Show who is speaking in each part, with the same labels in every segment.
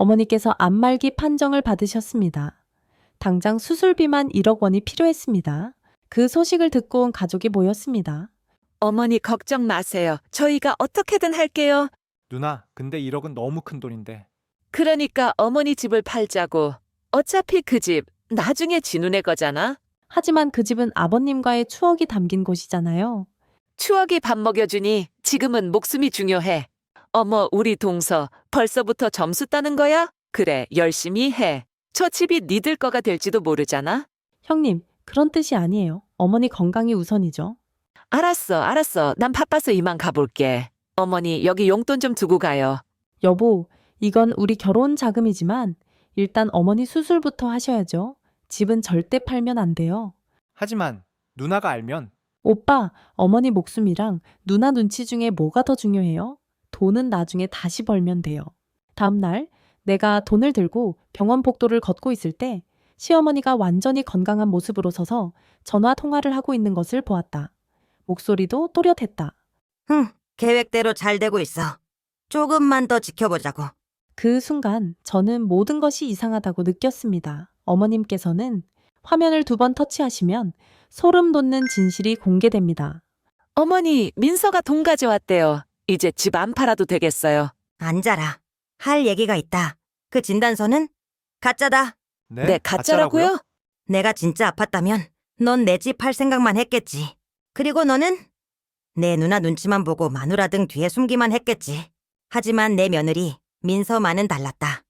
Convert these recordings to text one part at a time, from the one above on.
Speaker 1: 어머니께서 안말기 판정을 받으셨습니다. 당장 수술비만 1억 원이 필요했습니다. 그 소식을 듣고 온 가족이 모였습니다.
Speaker 2: 어머니 걱정 마세요. 저희가 어떻게든 할게요.
Speaker 3: 누나, 근데 1억은 너무 큰 돈인데.
Speaker 2: 그러니까 어머니 집을 팔자고. 어차피 그 집 나중에 진우네 거잖아.
Speaker 1: 하지만 그 집은 아버님과의 추억이 담긴 곳이잖아요.
Speaker 2: 추억이 밥 먹여주니 지금은 목숨이 중요해. 어머, 우리 동서 벌써부터 점수 따는 거야? 그래, 열심히 해. 저 집이 니들 거가 될지도 모르잖아.
Speaker 1: 형님, 그런 뜻이 아니에요. 어머니 건강이 우선이죠.
Speaker 2: 알았어. 난 바빠서 이만 가볼게. 어머니, 여기 용돈 좀 두고 가요.
Speaker 1: 여보, 이건 우리 결혼 자금이지만 일단 어머니 수술부터 하셔야죠. 집은 절대 팔면 안 돼요.
Speaker 3: 하지만 누나가 알면
Speaker 1: 오빠, 어머니 목숨이랑 누나 눈치 중에 뭐가 더 중요해요? 돈은 나중에 다시 벌면 돼요. 다음날 내가 돈을 들고 병원 복도를 걷고 있을 때 시어머니가 완전히 건강한 모습으로 서서 전화 통화를 하고 있는 것을 보았다. 목소리도 또렷했다.
Speaker 4: 계획대로 잘 되고 있어. 조금만 더 지켜보자고.
Speaker 1: 그 순간 저는 모든 것이 이상하다고 느꼈습니다. 어머님께서는 화면을 2번 터치하시면 소름 돋는 진실이 공개됩니다.
Speaker 2: 어머니, 민서가 돈 가져왔대요. 이제 집 안 팔아도 되겠어요.
Speaker 4: 앉아라. 할 얘기가 있다. 그 진단서는 가짜다.
Speaker 2: 네, 가짜라고요?
Speaker 4: 내가 진짜 아팠다면 넌 내 집 팔 생각만 했겠지. 그리고 너는 내 누나 눈치만 보고 마누라 등 뒤에 숨기만 했겠지. 하지만 내 며느리 민서만은 달랐다.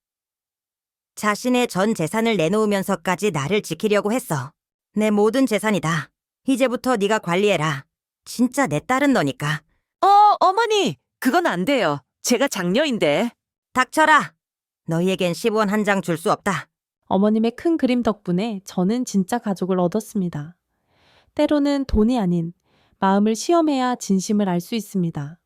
Speaker 4: 자신의 전 재산을 내놓으면서까지 나를 지키려고 했어. 내 모든 재산이다. 이제부터 네가 관리해라. 진짜 내 딸은 너니까.
Speaker 2: 어머니, 그건 안 돼요. 제가 장녀인데.
Speaker 4: 닥쳐라. 너희에겐 10원 한 장 줄 수 없다.
Speaker 1: 어머님의 큰 그림 덕분에 저는 진짜 가족을 얻었습니다. 때로는 돈이 아닌 마음을 시험해야 진심을 알 수 있습니다.